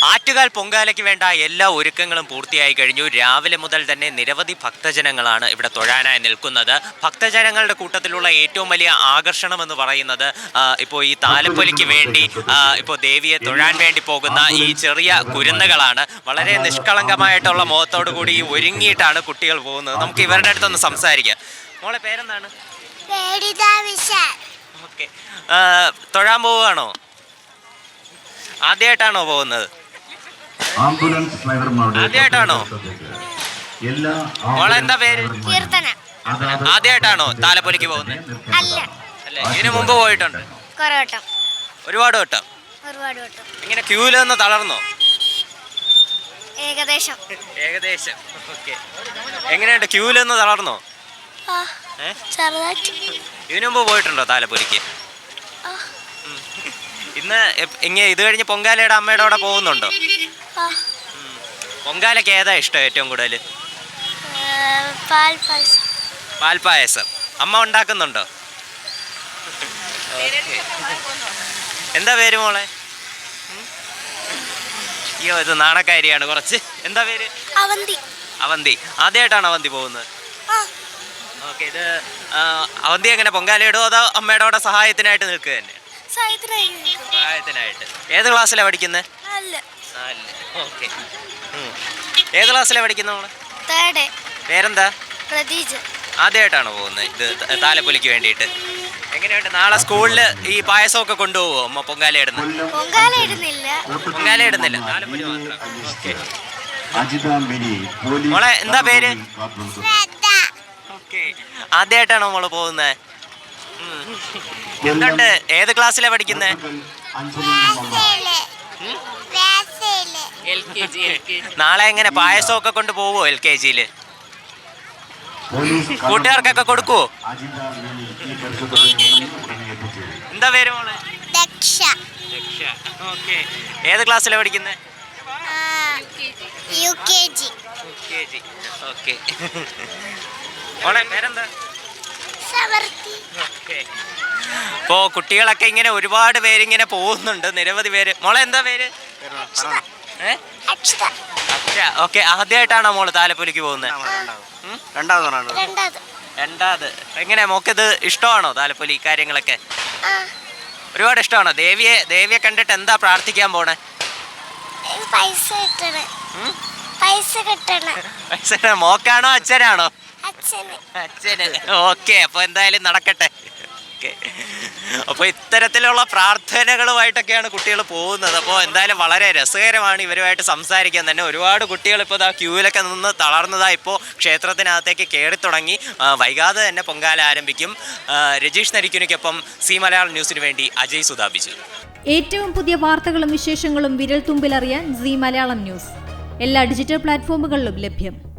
ആറ്റുകാൽ പൊങ്കാലയ്ക്ക് വേണ്ട എല്ലാ ഒരുക്കങ്ങളും പൂർത്തിയായി കഴിഞ്ഞു. രാവിലെ മുതൽ തന്നെ നിരവധി ഭക്തജനങ്ങളാണ് ഇവിടെ തൊഴാനായി നിൽക്കുന്നത്. ഭക്തജനങ്ങളുടെ കൂട്ടത്തിലുള്ള ഏറ്റവും വലിയ ആകർഷണം എന്ന് പറയുന്നത് ഇപ്പോൾ ഈ താലപ്പൊലിക്ക് വേണ്ടി ഇപ്പോൾ ദേവിയെ തൊഴാൻ വേണ്ടി പോകുന്ന ഈ ചെറിയ കുരുന്നുകളാണ്. വളരെ നിഷ്കളങ്കമായിട്ടുള്ള മുഖത്തോടു കൂടി ഒരുങ്ങിയിട്ടാണ് കുട്ടികൾ പോകുന്നത്. നമുക്ക് ഇവരുടെ അടുത്തൊന്ന് സംസാരിക്കാം. മോളെ പേരെന്താണ്? ഓക്കെ, തൊഴാൻ പോവുകയാണോ? ആദ്യമായിട്ടാണോ പോകുന്നത്? ആദ്യമായിട്ടാണോ? മോളെ എന്താ പേര്? ആദ്യമായിട്ടാണോ താലപ്പൊലിക്ക് പോകുന്നത്? അല്ല, ഇതിനു മുമ്പ് പോയിട്ടുണ്ട്? ഒരുപാട് വട്ടം. ഇങ്ങനെ ക്യൂല് നിന്ന് തളർന്നോ? ഏകദേശം. ഓക്കെ, എങ്ങനെയുണ്ട്? ക്യൂല് നിന്ന് തളർന്നോ? ഇതിനു മുമ്പ് പോയിട്ടുണ്ടോ താലപ്പൊലിക്ക്? ഇന്ന് ഇത് കഴിഞ്ഞ് പൊങ്കാലയുടെ അമ്മയുടെ കൂടെ പോകുന്നുണ്ടോ? പൊങ്കാലയ്ക്ക് ഏതാ ഇഷ്ടം ഏറ്റവും കൂടുതൽ? പാൽപ്പായസം. അമ്മ ഉണ്ടാക്കുന്നുണ്ടോ? എന്താ പേര് മോളെ? അയ്യോ, ഇത് നാണക്കാരിയാണ് കുറച്ച്. എന്താ പേര്? അവന്തി. ആദ്യമായിട്ടാണ് അവന്തി പോകുന്നത്? ഓക്കെ, ഇത് അവന്തി എങ്ങനെ പൊങ്കാലയിടോ അതോ അമ്മയുടെ കൂടെ സഹായത്തിനായിട്ട് നിൽക്കുക തന്നെ? സഹായത്തിനായിട്ട്. ഏത് ക്ലാസ്സിലാണ് പഠിക്കുന്നത്? ഓക്കെ, ഏത് ക്ലാസ്സിലാണ് പഠിക്കുന്നത് മോളെ? പേരെന്താ? ആദ്യമായിട്ടാണോ പോകുന്നത് ഇത് താലപ്പൊലിക്ക് വേണ്ടിയിട്ട്? എങ്ങനെയുണ്ട്? നാളെ സ്കൂളിൽ ഈ പായസമൊക്കെ കൊണ്ടുപോകുമോ അമ്മ? പൊങ്കാല ഇടുന്നില്ല, താലപ്പൊലി മാത്രം. ഓക്കെ, മോളെ എന്താ പേര്? ഓക്കെ, ആദ്യമായിട്ടാണോ മോള് പോകുന്നത്? എന്തുണ്ട്? ഏത് ക്ലാസ്സിലാണ് പഠിക്കുന്നത്? നാളെ എങ്ങനെ പായസമൊക്കെ കൊണ്ട് പോവോ LKG-യില്? കൂട്ടുകാർക്കൊക്കെ കൊടുക്കുവോ? എന്താ പേര് മോളെ? ദക്ഷ. ഓക്കെ, ഏത് ക്ലാസ്സിലാണ് പഠിക്കുന്നത്? UKG. ഓക്കെ, മോളെ പേരെന്താ? ഇപ്പോ കുട്ടികളൊക്കെ ഇങ്ങനെ ഒരുപാട് പേരിങ്ങനെ പോകുന്നുണ്ട്, നിരവധി പേര്. മോളെ എന്താ പേര്? അക്ഷര. ഓക്കെ, ആദ്യമായിട്ടാണോ മോള് താലപ്പൊലിക്ക് പോകുന്നത്? രണ്ടാമത്. എങ്ങനെ മോക്കിത് ഇഷ്ടമാണോ താലപ്പൊലി കാര്യങ്ങളൊക്കെ? ഒരുപാട് ഇഷ്ടമാണോ? ദേവിയെ കണ്ടിട്ട് എന്താ പ്രാർത്ഥിക്കാൻ പോണേ? പൈസ കിട്ടണം. മോക്കാണോ അച്ഛനാണോ? അച്ഛന്. ഓക്കെ, അപ്പോൾ എന്തായാലും നടക്കട്ടെ. അപ്പോൾ ഇത്തരത്തിലുള്ള പ്രാർത്ഥനകളുമായിട്ടൊക്കെയാണ് കുട്ടികൾ പോകുന്നത്. അപ്പോൾ എന്തായാലും വളരെ രസകരമാണ് ഇവരുമായിട്ട് സംസാരിക്കാൻ തന്നെ. ഒരുപാട് കുട്ടികൾ ഇപ്പോൾ ക്യൂവിലൊക്കെ നിന്ന് തളർന്നതാ ഇപ്പോൾ ക്ഷേത്രത്തിനകത്തേക്ക് കയറി തുടങ്ങി. വൈകാതെ തന്നെ പൊങ്കാല ആരംഭിക്കും. രജീഷ് നരിക്കുനിക്കൊപ്പം സി മലയാളം ന്യൂസിന് വേണ്ടി അജയ് സുധാപിച്ചു. ഏറ്റവും പുതിയ വാർത്തകളും വിശേഷങ്ങളും വിരൽ തുമ്പിലറിയാൻ സി മലയാളം ന്യൂസ് എല്ലാ ഡിജിറ്റൽ പ്ലാറ്റ്ഫോമുകളിലും ലഭ്യം.